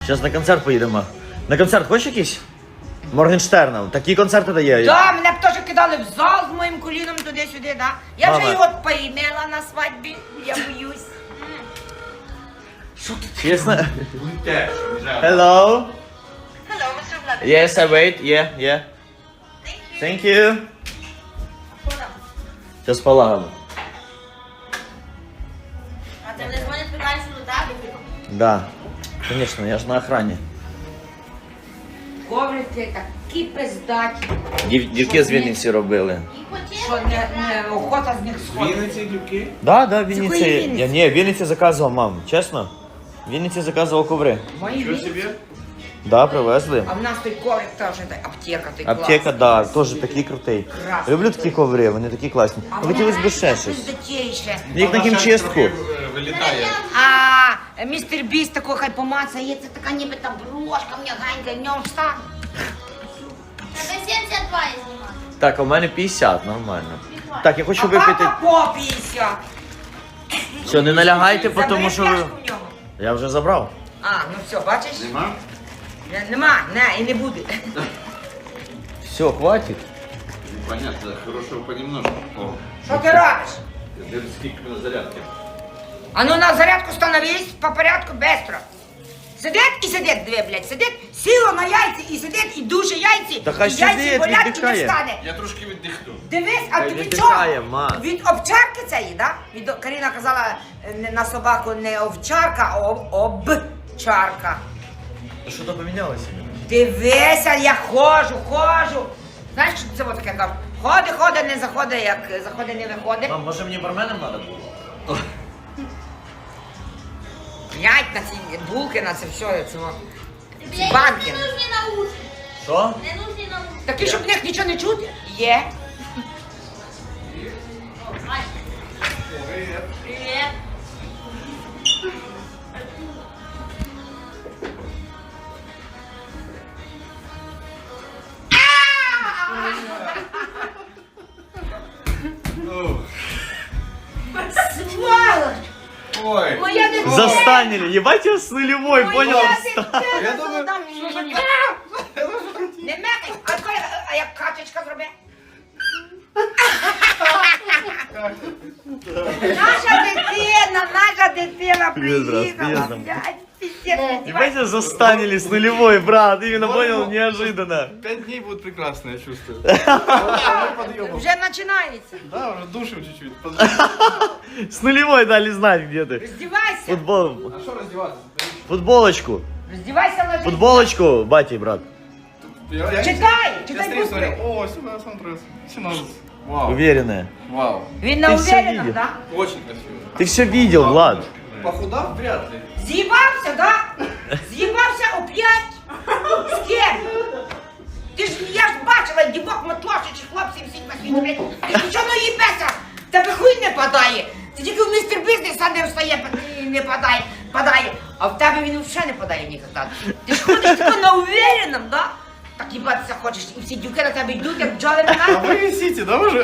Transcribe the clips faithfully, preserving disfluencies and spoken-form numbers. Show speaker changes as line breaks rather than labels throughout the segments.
Зараз на концерт поїдемо. На концерт хочеш якийсь? Моргенштерна. Такі концерти дає.
Да, мене б теж кидали в зал з моїм коліном туди-сюди, да? Я
Мама.
вже його поїмела на свадьбі, я боюсь.
Що тут? Чесно? Hello.
Hello, Mister Vladimir.
Yes, I wait. Yeah, yeah.
Thank you.
Thank you. Зараз полагодимо.
А ти не дзвонять, питаєш, що до тебе?
Да. Звісно, я ж на охрані.
Коврики такі пиздаті,
Дів, дівки з Вінниці робили.
що не, не охота з них сходить.
Вінниці дівки?
Да, да,
якої
Вінниці.
Вінниці?
Я, ні, Вінниці заказував, мам, чесно. Вінниці заказував коври.
Мої
Що
віці.
собі?
Да, привезли.
А в нас той коврик теж, та аптека, той
Аптека, да, теж такий крутий.
Красний.
Люблю такі коври, вони такі класні.
А
Хотілося б ще щось.
пиздатіше.
Як на хімчистку.
Трохи, е, Вилітає.
А містер Біст такого хай помацає, це така ніби та брошка м'ягенька, в ньому встане.
Тебе сімдесят два я знімаю.
Так, а у мене п'ятдесят, нормально. Так, я хочу
А
випити.
папа по п'ятдесят.
Все, не налягайте, тому
Забери
що ви.
пляшку в нього.
Я вже забрав.
А, ну все, бачиш?
Нема?
Не- Нема, не, і не буде.
Все, хватить.
Понятно, хорошого понемножку. О,
Що ти робиш?
дивись, скільки на зарядки.
А ну на зарядку становись, по порядку, быстро. Сидить і сидить, дві, блядь, сидить, сіло на яйці і сидить, і душе яйці,
Та хай
і яйці
сидить,
болять, і не
віддихає.
встане.
Я трошки віддихну.
Дивись, а
Хай
тобі
віддихає,
чого?
ма.
Від овчарки цієї, да? Від, Каріна казала е, не- на собаку не овчарка, а об- обчарка.
Що то помінялося?
Дивися, я ходжу, ходжу. Знаєш, що це от таке кажуть? Ходи, ходи, не заходи, як заходи, не виходи.
Мам, може мені барменом треба було?
Глянь на ці булки, на це все, це о.
Тобі
Ці банки.
не нужні наушники.
Що?
Не нужні наушники.
Такі, щоб в них нічого не чути? Є.
Ай. Привіт.
Сволоч!
Ой,
Моя дитина!
Застанили, ебать я с нулевой, понял?
Моя дитина!
Я думаю,
Там
що
ні-
за
ні- Не мекай! А, коли- а як качечка зроби? Наша дитина, наша дитина
Привіт, брат,
приїхала,
привіт, там.
блядь, пиздец.
Ебать я застанили с нулевой, брат, именно понял, неожиданно.
пять дней будут прекрасно, я чувствую.
Вже починається.
Да, уже душим чуть-чуть.
С нулевой дали знать, где ты.
Роздівайся,
Футбол,
А что раздеваться?
футболочку,
роздівайся, ложись.
футболочку, батя и брат.
Я, я,
Читай,
я
читай
стрим
буквы.
смотрел. О, сюда смотрю. Синонс. Вау.
Уверенная.
Вау.
Він на
Ти все
уверенном,
видів?
да?
Очень красиво.
Ты все видел, Влад.
Похудав вряд ли.
З'їбався, да? З'їбався оп'ять? З ким? Ти ж, я ж бачила, дівок мотошичі, хлопців всіх на світі, блядь. Ти ж нічого не їбеся, тебе хуй не падає. Ти тільки в містер бізнес, а не встає, і не падає, падає. А в тебе він взагалі не падає ніколи. Ти ж ходиш тако на уверенном, да? Так їбатися хочеш, і всі дівки на тебе йдуть, як бджоли на
А
нас.
вы висите, да, уже?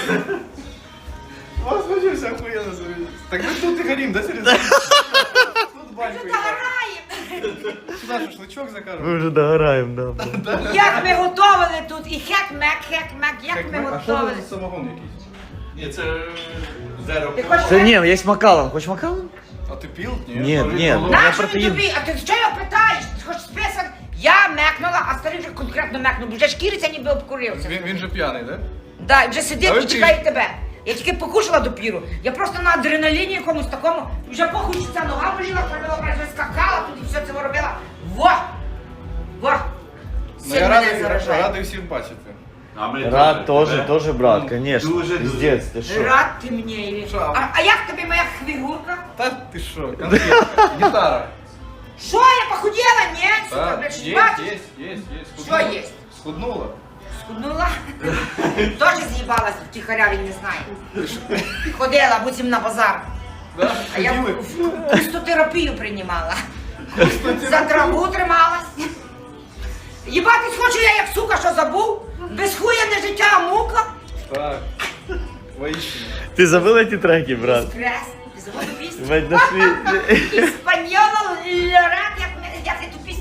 У вас вообще все охуенно завелись. Так мы тут и горим, да, Серега? Тут баньку
Вже
играем.
догораємо.
Сюда шашлычок закажем.
Мы уже догораем, да.
Як ми готували тут, і хек-мек, хек-мек, як ми
А що
готували.
це за самогон якийсь? Ні, це зеро.
Ти хочеш
Да не, есть макалон, хочешь макалон?
А ти пил? Ні.
Нет, нет. Я
Нащо він
протеїн.
тобі? А ти що його питаєш? Ти хочеш список? Я мекнула, а старий вже конкретно мекнув, бо вже шкіриться ніби обкурився.
Він, він же п'яний, да?
Да, і вже
А
сидить
ви
і чекає тебе. Я тільки покушала допіру. Я просто на адреналіні якомусь такому, вже похуй, що ця нога боліла, пробила, вже скакала, тут і все це робила. Во! Во!
Ну,
Син
я
мене
радий,
заражає.
радий всіх бачити.
Рад тоже, тоже брат, конечно.
Дуже,
Пиздец, ты шо?
Рад ти мені. Ілі.
Що?
А, а як тобі моя хвігурка?
Та ти що, конфетка, гітара.
Що, я похудела? Ні, сука,
Так,
блядь, щось
є,
бачиш?
є, є, є.
Що є?
Схуднула.
Скуднула? Тоже з'їбалась, втіхаря він не знає. Ходила, буцім на базар.
Да?
А я
Ходили?
пустотерапію приймала. За траву трималась. Їбатись хочу я, як сука, що забув. Без хуя не життя, а мука.
Так. Воістину.
Ты забыл эти треки, брат?
Стрес. Ти забув пісню?
Ебать, нашли.
Іспаньола, лорак, як, ми- як ти ту пісню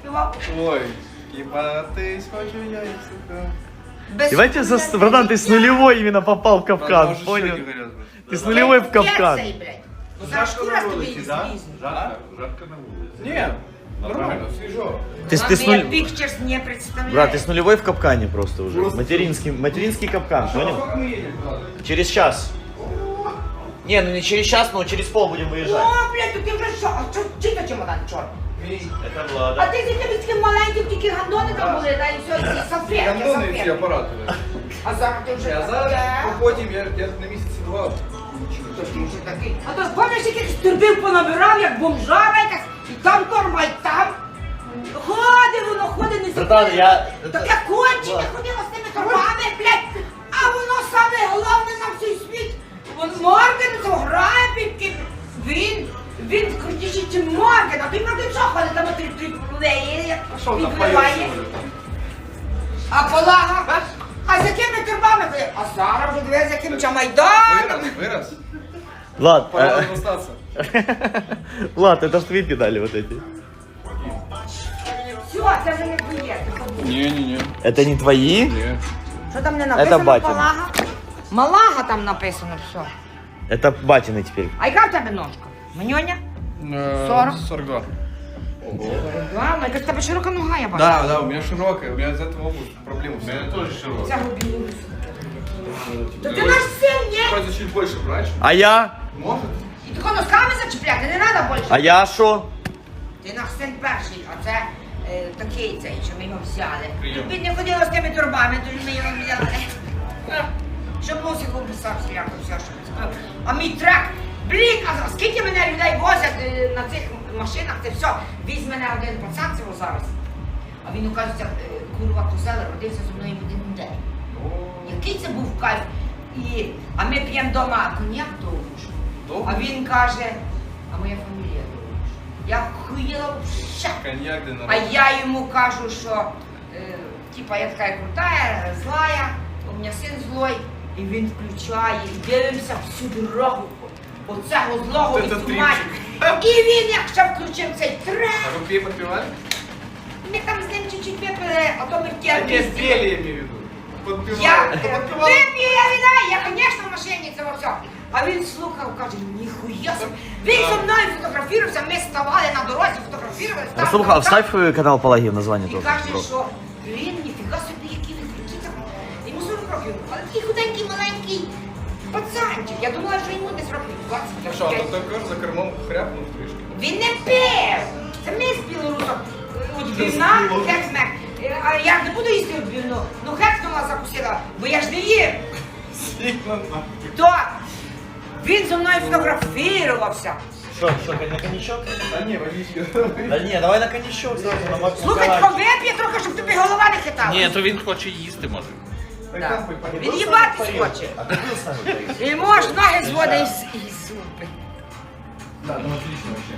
співав.
Ой, ебатись хочу я, и сука.
Без
Давайте, за...
хуя
братан, ты с нулевой именно попал в капкан,
Может,
понял?
щеки горят, блядь.
Ты с нулевой в капкан.
Перцей, блядь. Бо зараз шкура з тобі звізне.
Жарко? Жарко на улице. Нет, нормально, свежо.
Ты, с- ты с
Ладно, я
нуль...
pictures не представляю.
Брат, ты с нулевой в капкане просто уже.
Просто-
Материнский, материнский капкан, понял?
Как мы едем туда?
Через час. Не, ну не через час, но через пол будем выезжать.
О, блядь, то ти вже що? А що, чи то чемодан чорний?
Это
А
Влада.
ти з якимись таким маленьким, тільки гандони там були, да, і все, і салфетки,
Гандоны и все
салфетки.
аппараты. блядь.
А зараз ти вже...
А зараз походим, я, я на месяце два.
То ти вже такий. А то пам'ятаєш, якийсь турбів понабирав, як бомжара якась, і там торба, і там. Ходить воно, ходить, не
Братан,
закрив.
я-
Таке кончене
Влад.
ходило з тими торбами, блядь. А воно саме головне на всій світ. Вон Морген грає під ким. Він, він крутіший, ніж Морген. А той Морген що ходить, там три три плеє,
Что там
підливає.
поешь?
А полага, а з якими торбами ходить? А зараз вже дивись, з яким чамайданом.
Вырос, вырос.
Влад,
Пора
э,
остаться.
Влад, это ж твои педали вот эти.
Все, це вже не твоє, ти забув.
Не-не-не.
Это не твои?
Не.
Що там не написано?
Це батін.
Малага? Малага там написано все.
Это батины теперь.
А яка в тебе ножка? Маньоня?
Э,
сорок?
сорок два.
Да, якась в тебе широка нога, я бачу.
Да, да, у меня широкая, у меня из этого обувь проблемы. У меня тоже широкая.
Цього білу. То ти наш син, ні?
Хочется чуть больше брать.
А я?
Может?
І тако носками зачіпляти, не треба більше.
А я шо?
Ти наш син перший, а це е, такий цей, що ми його взяли.
Прийом.
Він не ходило з тими турбами, то ми його взяли. Щоб мусику писав всіляко все, що він сказав. А мій трак, блін, а скільки мене людей возять е, на цих машинах, це все. Візь мене один пацан цього зараз. А він, оказується, е, курва козел, родився зі мною в один день. Який це був кайф. І, а ми п'ємо вдома коньяк довгуш.
Довгуш?
А він каже, а моя фамілія довгуш. Я хуїла вща.
Коньяк для
А
народа.
я йому кажу, що е, типа я така крутая, злая, у мене син злой, і він включає, і дивимося всю дорогу. Оцього злого
Це
відсумать.
тріпчик.
І він як ще включив цей трек.
А вы пей подпевали?
Ми там з ним чуть-чуть випили, а то ми в
А
тєрпі.
не пели, я имею в виду. Подпевали.
Я
Это подпевал.
вип'ю, я вина, я, звісно, в машині це все. А він слухав, каже, ніхуя собі. Він зі мною фотографувався, ми ставали на дорозі, фотографувалися. там,
Слухай,
там,
а вставь э, канал Палаги в название
І
тоже.
каже,
просто.
що, блін, ніфіга собі, які ви круті там. Йому сорок років, але такий худенький, маленький пацанчик. Я думала, що йому десь років двадцять.
Ну что, а то такой за кормом хряпнул в тришке.
Він не пив! Це ми з білорусом. Відбивна, хекс-мек. А я ж не буду їсти відбивну. Ну хекс-нула закусила, бо я ж не їм.
Сильно нахуй.
То він зі мною фотографувався.
Что, что, на коньячок?
А не, водички.
Да не, давай на коньячок сразу, на Макс
Слухай, тако вип'є трохи, щоб тобі голова не хитала.
Ні, то він хоче їсти, може.
Да. Він їбатись хоче.
А ты был с нами, Борис?
І може ноги зводить із, із зуби.
Да, ну отлично вообще.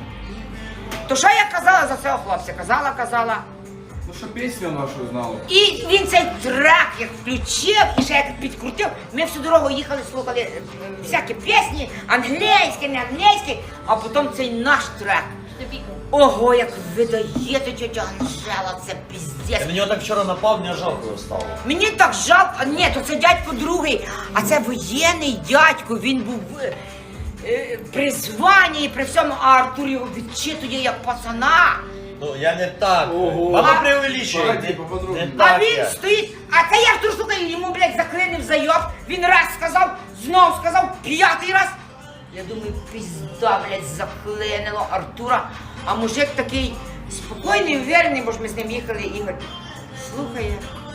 То що я казала за цього хлопця? Казала, казала.
Ну что, песню нашу знал.
І він цей трек як включив і ще як підкрутив. Ми всю дорогу їхали, слухали е, всякі пісні, англійські, не англійські, а потім цей наш трек. Ого, як видає тетя Анжела, це
Я
піздець.
на него так вчера напал, мне жалко его стало.
Мені так жалко, а ні, то це дядько другий, а це воєнний дядько, він був е, е, при званні і при всьому, а Артур його відчитує як пацана.
Ну, я не так.
Ого.
Мама
А-
преувеличивает.
Погоди,
Не,
поподробнее.
не
А
так
він
я.
стоїть, а це я ж тут слухаю, йому, блядь, заклинив зайоб, він раз сказав, знов сказав, п'ятий раз. Я думаю, пізда, блядь, заклинило Артура. А мужик такий спокійний, уверений, бо ж ми з ним їхали, Ігор. Слухає.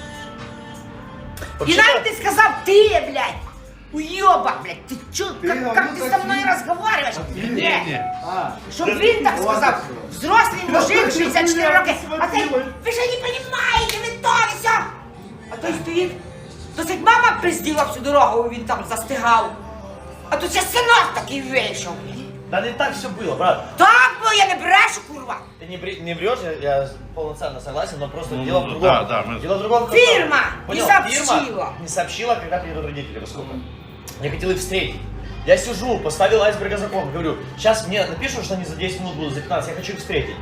І
Вообще,
навіть ти сказав, ти, блядь, уйоба, блядь, ти чо,
Ти
как,
говорив
как ти со
так,
мною
ні.
розговариваєш?
Ні, ні.
А,
Щоб він так сказав, взрослий мужик, шістдесят чотири роки, а цей, ви ж не розумієте, ви то і сьо. А той стоїть, досить мама пизділа всю дорогу, він там застигав. А тут ще синок такий вийшов.
Да не так все было, брат.
Так, бо я не брешу, курва.
Ты не, бре- не врешь, я, я полноценно согласен, но просто
Ну,
дело
ну,
в другом.
да, да, мы-
Дело в другом. что-
Фирма не
Понял,
сообщила.
Фирма не сообщила, когда приедут родители, во сколько. Я хотел их встретить. Я сижу, поставил айсберга закон, говорю, сейчас мне напишут, что они за десять минут будут, за пятнадцать, я хочу их встретить.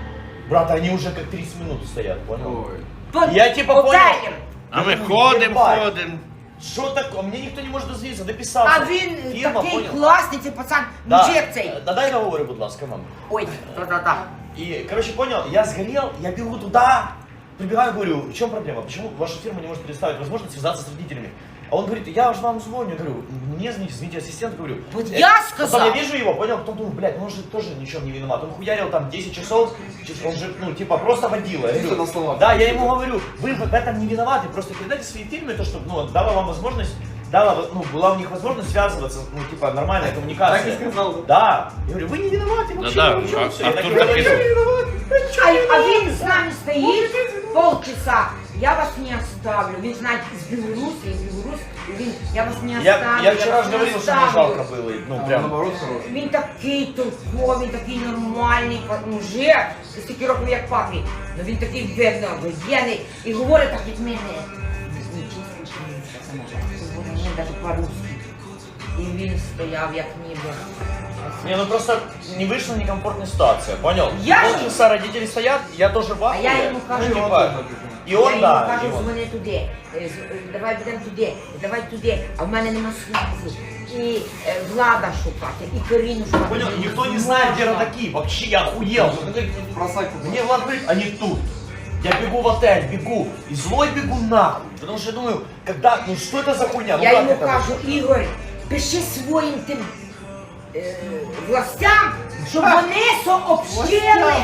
Брат, они уже как тридцать минут стоят, понял?
Ой.
Тут
Я типа понял.
готелем.
А ми
Ну,
ходимо,
єбать.
ходимо.
Что такое? Мне никто не может дозвониться, дописался.
А він
Фирма,
такий
понял?
класний, цей пацан,
Да.
мужик цей.
Э, Да дай договоры, будь ласка, мам.
Ой, та-та-та.
И, короче, понял, я сгорел, я бегу туда, прибегаю, говорю, в чем проблема? Почему ваша фирма не может предоставить возможность связаться с родителями? А он говорит, я же вам звоню, говорю, мне звоните, звоните ассистент, говорю.
Вот
«Э,
я
Потом
сказал.
я вижу его, понял, потом думаю, блядь, ну он же тоже ничем не виноват. Он хуярил там десять часов, он же, ну, типа, просто водила. Я
Чисто
говорю,
на словах.
да, я ему говорю, вы в этом не виноваты, просто передайте свои фирме то, чтобы, ну, дала вам возможность, дала, ну, была у них возможность связываться, ну, типа, нормальная коммуникация.
Так и сказал, да?
Да. Я говорю, вы не виноваты вообще.
Да-да,
ни в чем,
а-
всё». Я
Артур
такой, «Я
написал.
не виноват,
А,
ничего
а
не
він
виноват».
з нами стоїть полчаса. Я вас не оставлю. Він знає з Білорусі, з Білорусі. Він, я вас не
Я,
оставлю.
я вчера
вас
же
не
говорил, что мне
оставлю.
жалко было, и, ну,
А он
прям.
наоборот хороший.
Він такий толковий, такий нормальний мужик, стільки років як папі. Ну він такий видно, воєнний і говорить так від мене. Не чисто, що він говорить мені навіть по-русски. І він стояв як ніби.
Не, ну просто не вышла некомфортная ситуация, понял?
Я же-
Полчаса родители стоят, я тоже в
А
ахуе.
я йому кажу,
Ну,
он
типа,
тоже.
и он,
я
да,
йому кажу,
и он.
дзвони туди, е, з- е, давай будемо туди, давай туди, а в мене нема связі. І е, Влада шукати, і Каріну шукати.
Понял,
Мені
никто не
можна.
знает, где родаки, вообще я охуел. Он говорит,
Бросать.
мне Влад говорит, они тут. Я бегу в отель, бегу, и злой бегу нахуй. Потому что я думаю, когда, ну что это за хуйня? Ну
Я
как
йому
это
кажу,
вообще?
Ігор, пиши своїм тим е, властям, щоб вони сообщили.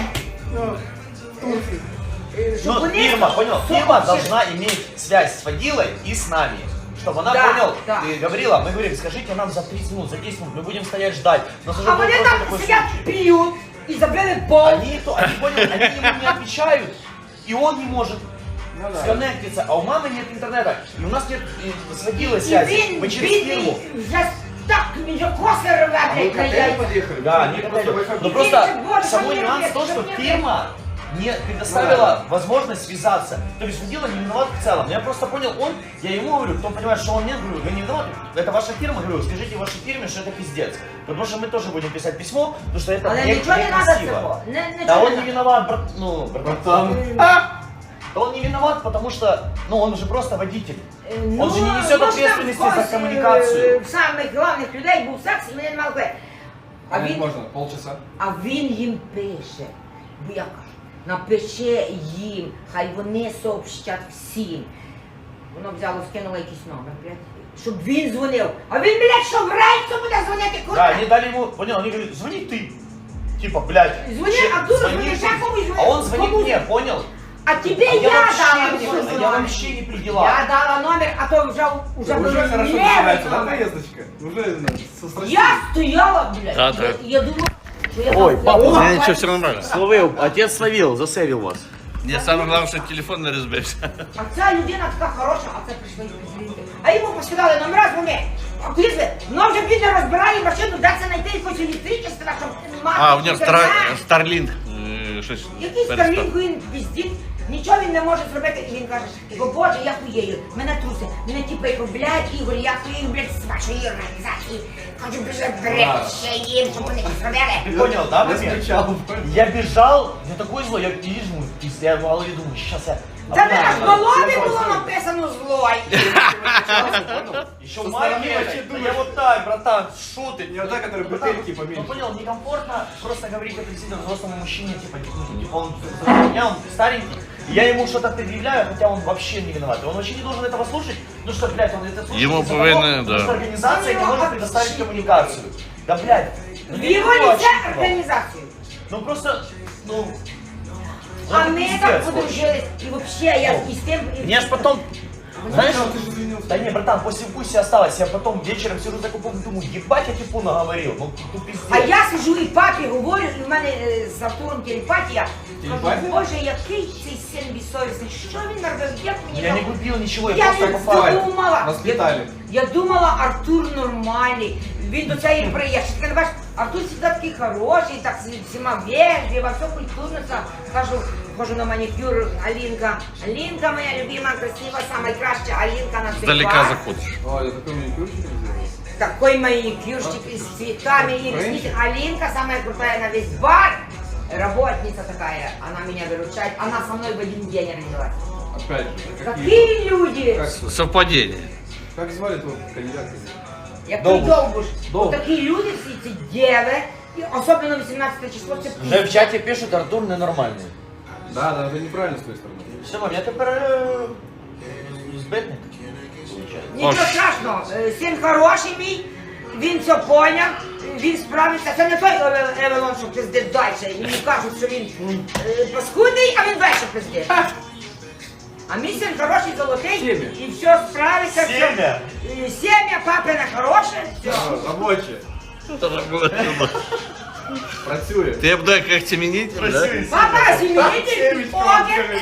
е, Щоб
Ну,
вони
фирма, понял,
сообщили.
фирма должна иметь связь с водилой и с нами. Чтобы она,
Да,
понял,
да.
ты говорила, мы говорим, скажите нам за тридцать минут, за десять минут, мы будем стоять ждать. У нас уже
А
был
вони
просто
там
такой
сидять,
случай.
п'ють і забили пол.
Они, то, они, понял, они ему не отвечают, и он не может
Ну да.
сконнектиться, а у мамы нет интернета, и у нас нет и с водилой
І
связи,
він,
мы через
бідний,
фирму.
вже так, він вже коси рве,
А вы
блядь,
к
на
отелю
яйця.
подъехали?
Да,
Или
не
просто
хотели.
выходили?
Но
И
просто
видите, вот,
самой
что
нюанс
мне
в том,
что
что
мне
фирма не предоставила возможность связаться. То есть водила не виноват в целом. Я просто понял, он, я ему говорю, кто понимает, что он нет, говорю, вы не виноваты, это ваша фирма, говорю, скажите вашей фирме, что это пиздец. Потому что мы тоже будем писать письмо, потому что это
Але
не-
нічого не треба
некрасиво.
цього. Не,
Да
нічого
он
не
не
надо.
виноват, брат, ну, братан.
Братан.
Да он не виноват, потому что, ну, он же просто водитель.
Ну,
Он же не несет
може,
ответственности
там
за
хтось,
коммуникацию.
е, В самих головних людей був секс, і вони не мали куди. А
А
він,
можно полчаса?
а він їм пише, бо я кажу, напиши їм, хай вони сообщать всім. Воно взяло, скинуло якийсь номер, блядь, щоб він дзвонив. А він, блядь, що в рейсу буде дзвонити,
Да,
куди?
они дали ему, понял, они говорят, звони ты. Типа, блядь.
Звони,
че-
а тут
звони
звони,
ты.
сейчас кому звонит?
А он звонит
Кому?
мне, понял?
А тебе
А
я,
я вообще
дала
не-
свой
а я
номер.
вообще не при
Я
делах.
дала номер, а то вже, вже
Уже
було
хорошо
левий
начинается, да,
номер.
поездочка? Уже ну, со страстью.
Я стояла, блядь,
Да,
я,
да.
я думала, що я
Ой,
там-
папа,
я-
у меня
Нічого, все нормально.
Словил, отец словил, засейвил вас.
Мені саме головне, щоб телефон не розбився.
А ця людина така хороша, а це прийшли звідти. А йому поскидали номера, дзвони. А куди це? Ну вже бідно розбирає машину, де це знайти якось електричество, щоб мати.
А, у нього
інтернет.
Старлінг. Щось.
Якийсь
перестав.
Старлінг, він піздіть, нічого він не може зробити. І він каже, його, боже, я хуєю, мене труси, мене типу, його, блядь, Ігор, я хуєю, блядь, з вашої організації. Хочу більше брати ще їм, щоб вони зробили.
Ты понял, да,
Я
момент?
скучал.
Я бежал, я такой злой, я вижу, пиздец, я в голове думаю, сейчас я...
Та ви аж
обнаружу.
голові було написано злой.
Еще
Со
маленький,
стороны вообще
это,
думаешь.
я вот так, братан, шо ты?
Не вот так, который
Братан,
бутыльки поменьше.
Ну понял, некомфортно просто говорить это действительно взрослому мужчине, типа, ну, типа он за меня, он старенький, и я ему что-то предъявляю, хотя он вообще не виноват. И он вообще не должен этого слушать, ну что, блядь, он это слушает
Ему
из-за того,
повинны,
потому
да.
что организация не может предоставить коммуникацию. Да, блядь, ну
В
не
його
то,
лице
типа.
організацію.
Ну просто, ну... ну,
А
это
ми
пиздец,
так
короче.
подружились, і вообще я і з тим... і-
Мне аж потом, знаешь,
Сначала ты же извинился.
да не, братан, после вкуса осталось, я потом вечером сижу за купом, думаю, ебать, я типу наговорил, ну, ну пиздец.
А я сижу і папі говорю, і в мене е, з Артуром телепатія. Кажу,
Телепатія?
боже, який цей син безсовісний, що він наробив, як мені
Я не
там-
купил ничего, я,
Я
просто
не
попал.
думала.
Воспитали.
Я, я думала, Артур нормальний. Він до цієї приїхав. Ти не бачиш, Артур завжди такий хороший, так зі всіма вежливо, все культурно. все. Кажу, хожу на манікюр, Алінка. Алінка моя любима, красива, найкраща Алінка на світі.
Здалека заходиш.
О, я такой маникюрчик сделал.
Такой маникюрчик с цветами и
Френч?
ресницы. Алинка самая крутая на весь бар. работница такая, она меня выручает, она со мной в один день родилась.
Опять же, какие...
Такие люди!
Как,
Совпадение.
как звали того кандидата?
Як
Довбуш.
той Довбуш.
Довбуш.
Такі люди, всі ці дєви, і особливо вісімнадцяте число, це
Вже в чаті пишуть, Артур ненормальний.
Да, да, это неправильно с твоей стороны.
Що, мам, я тепер е, збитник, виходить.
Нічого
Ось.
страшного, е, син хороший мій, він все поняв, він справиться. Це не той Еве- Евелон, що пиздить далі. Йому кажуть, що він е, паскудний, а він далі пиздить. А мій син хороший, золотий,
Сім'я.
і все справиться. все.
Сім'я.
Е, Сім'я, папина хороше, все.
А, Рабочие. Працює.
Ти буде як семенитель, да?
Папа, сім'їтель, покер.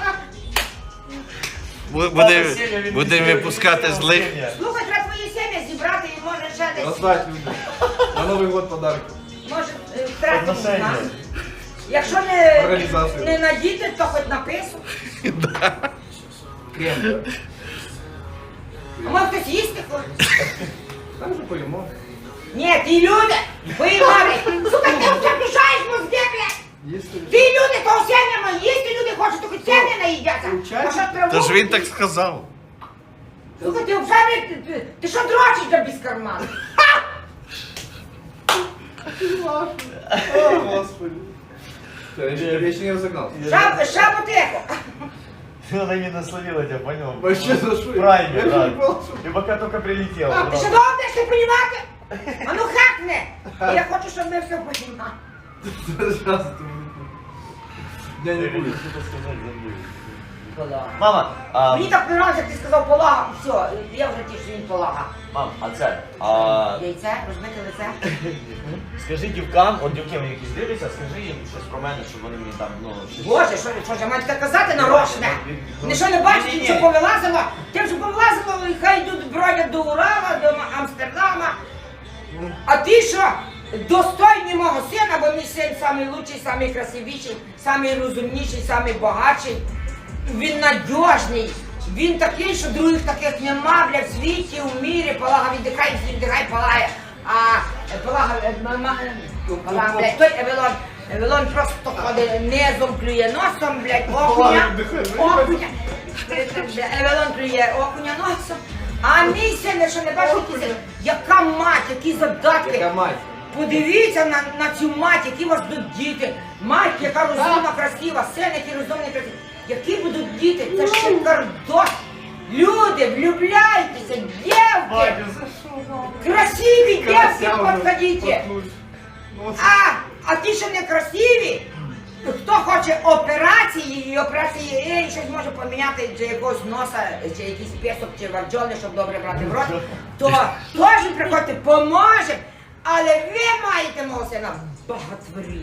Бу- Буде, будемо випускати злих.
Слухай, треба твої сім'я зібрати і може ще десь.
Роздать людям. На Новый год подарки.
Може, е, втратити
Отношення.
нас. Якщо не,
Організацію.
не на діти, то хоч на пису.
Крем, да?
А може хтось їсти хоче?
Там же поїмо.
Ні, ті люди, поїмали. Слухай, ти вже включаєш мозги, блядь.
Їсти.
Ті люди, то сім'ями їсти люди хочуть, то хоч сім'я наїдяться. А що траву?
Тож він так сказав.
Слухай, ти вже, ти, ти, ти що дрочиш до без карману?
О, Господи. Всё, Я еще- я еще не разогнался.
Шаб, шаботеко.
Она не насловила тебя, понял?
Вообще за что? Я
Праймер,
же
да.
не понял, что...
И пока только прилетела.
Ти що довго будеш не понімати? А ну хакне. Я хочу, щоб ми все понімали.
Сейчас это... Дня не будет.
Мама, а,
Мені так подобається, як ти сказав полага, все, я вже ті, що він полага.
мам, а це, а,
Яйце, розбите лице.
скажи дівкам, от дівки мені якісь дивляться, скажи їм щось про мене, щоб вони мені там, ну, щось...
Боже, що, що ж я маю таке казати нарочне? Не що не бачите,
Ні-ні-ні.
що повилазило? Тим, що повилазило, і хай йдуть бродять до Урала, до Амстердама. А ти що? Достойний мого сина, бо мій син самий лучший, самий красивіший, самий розумніший, самий багатший. Він надіжний. Він такий, що других таких нема, бля, в світі, в мірі. Полага віддихай, всі віддихай, палає. А е, полага, е, мама, е, полага, блядь, той Евелон, Евелон просто ходить низом, клює носом, блядь, окуня, окуня. Евелон клює окуня носом. А мій син, що не бачиш, які син, яка мать, які задатки.
Яка мать?
Подивіться на, на цю мать, які у вас будуть діти. Мать, яка розумна, красива, син, який розумний, красивий. Які будуть діти? Це шикардос. Люди, влюбляйтеся, дівки. Красиві дівки, підходіть. А, а ті, що не красиві, хто хоче операції, і операції, і щось може поміняти, чи якогось носа, чи якийсь песок, чи варджони, щоб добре брати в рот, то теж приходьте, поможе. Але ви маєте мого сина багатворі.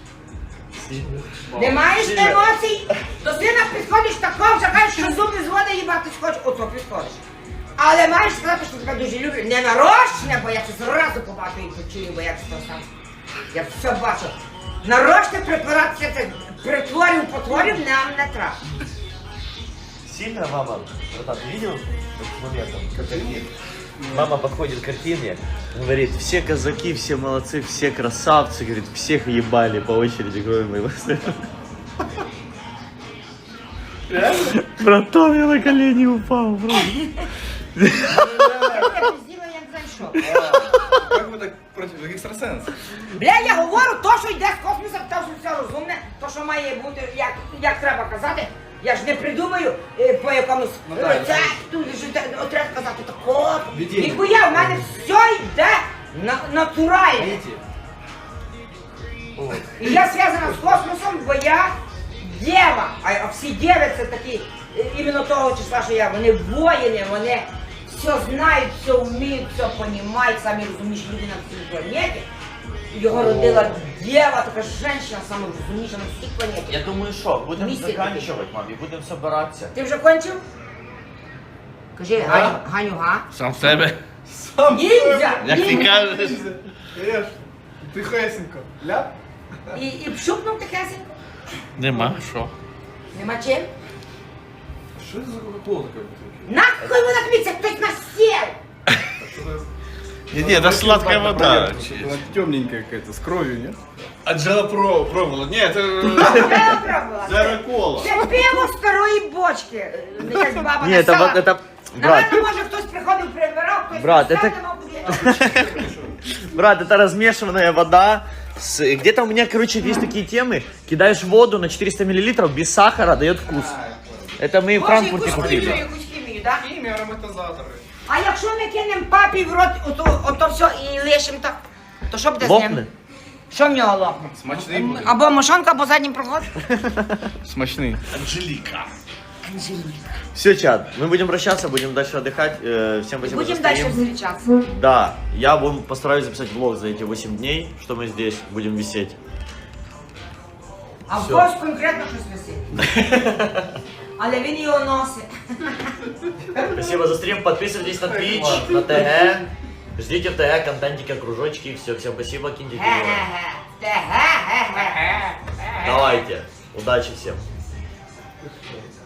Не маєш емоцій? До сина підходиш такого, що кажеш, що зуби зводи їбати хочеш, ото підходиш. Але маєш сказати, що тебе дуже люблю. Не нарочне, бо я це зразу побачу і почую, бо я це сам. Я все бачу. Нарочне препаратися, це притворів, потворів нам не треба.
Сильно, мама, братан, ты видел этот момент? Как они- Мама подходит к картине, говорит, все казаки, все молодцы, все красавцы, говорит, всех ебали по очереди, кроме моего сына. Братан, я на колени упал, просто.
Я зробила, я не знаю що.
Как вы так против экстрасенсов?
Бля, я говорю, то, що йде з космосу, то, що все розумне, то, що має бути, як, як треба казати. Я ж не придумаю е, по якомусь
Ну, так.
рецепту, що те- от треба сказати тако.
Відділення.
Ніхуя, в мене все йде на, натурально.
Видите?
І я зв'язана з космосом, бо я дєва. А, а всі дєви це такі, е, іменно того числа, що я. Вони воїни, вони все знають, все вміють, все розуміють, самі розумніші люди на цій планеті. Його родила дєва, така жінка, саме розумніша на всій планеті.
Я думаю, что, будем
Миссия
заканчивать, мам, и будем собираться.
Ти вже кончив? Кажи, Ганю, Ганю, га?
Сам в себе.
Сам
Ніндзя!
Як ти
Ніндзя!
кажеш.
Конечно. Ты хесенько. Ляп?
І, і пшукнув тихесенько?
Нема що.
Нема чим?
Что это за кока-кола такая?
Нахуй вона тобі, це хтось насів!
А что за-
Не, не, это сладкая вода.
Она темненькая какая-то, с кровью, нет?
Анжела про пробовала. Ні, це...
Я пробувала.
Це кола.
Це пиво старої бочки. Е, Якась баба
Не, это
написала.
вот это... Брат,
Наверно, може хтось приходив, прибирав, хтось
Брат,
поставив,
это-
мабуть,
брат, это размешанная вода. С... Где-то у меня, короче, есть такие темы. Кидаешь воду на четыреста миллилитров без сахара, дает вкус. Это мы в
Може,
Франкфурте
якусь хімію,
купили.
якусь хімію, так?
Химия, ароматизаторы.
А якщо ми кинемо папі в рот, ото, ото все і лишимо так, то що буде з
Лопне?
ним? Що в нього лопне?
Смачний буде.
Або мошонка, або заднім проход?
Смачний.
Анжеліка.
Все, чат, мы будем прощаться, будем дальше отдыхать. Э, Всем спасибо
Будемо
за
далі
стрим.
зустрічатися.
Да, я будем постараюсь записать влог за эти восемь дней, что мы здесь будем висеть.
А в
Всё.
когось конкретно щось висить. Але він його носить.
Спасибо за стрим, подписывайтесь на Twitch, на ТГ. Ждите в ТГ контентика, кружочки. Все, всем спасибо, киньте кино.
Ге-ге-ге. Те ге-ге-ге.
Давайте, удачи всем.